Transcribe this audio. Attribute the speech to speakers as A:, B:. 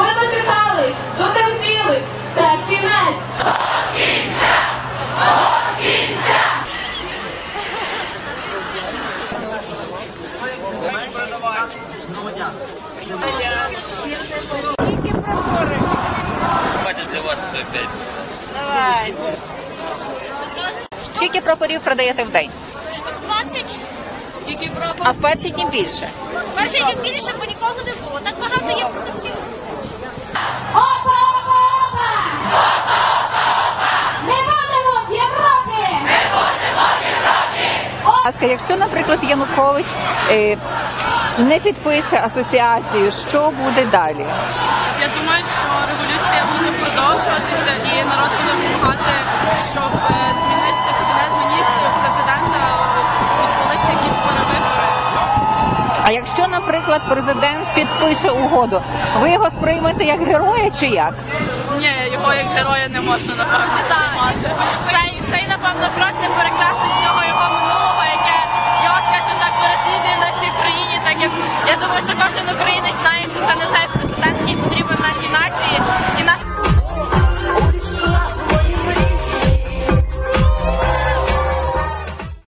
A: дочекались, дотерпіли, це кінець. До кінця! До кінця!
B: Скільки прапори?
C: Бачиш, для вас 5.
B: Давай.
D: Скільки прапорів продаєте в день?
B: 20.
D: Скільки прапорів? А в перші дні більше?
B: Перший день більше, бо нікого не було. Так багато є продавців.
A: Опа, опа, опа! Не будемо в Європі! Не будемо в Європі!
D: Якщо, наприклад, Янукович не підпише асоціацію, що буде далі?
E: Я думаю, що революція буде продовжуватися і народ буде вимагати, щоб змінився кабінет міністрів, президента, відбулися якісь перевибори.
D: А якщо, наприклад, президент підпише угоду, ви його сприймете як героя чи як?
E: Ні, його як героя не можна, напевно, сприймати. Цей, напевно, крок не перекреслить всього його минулого, яке його, скажімо так, переслідує в нашій країні, так як я думаю, що кожен українець знає, що це не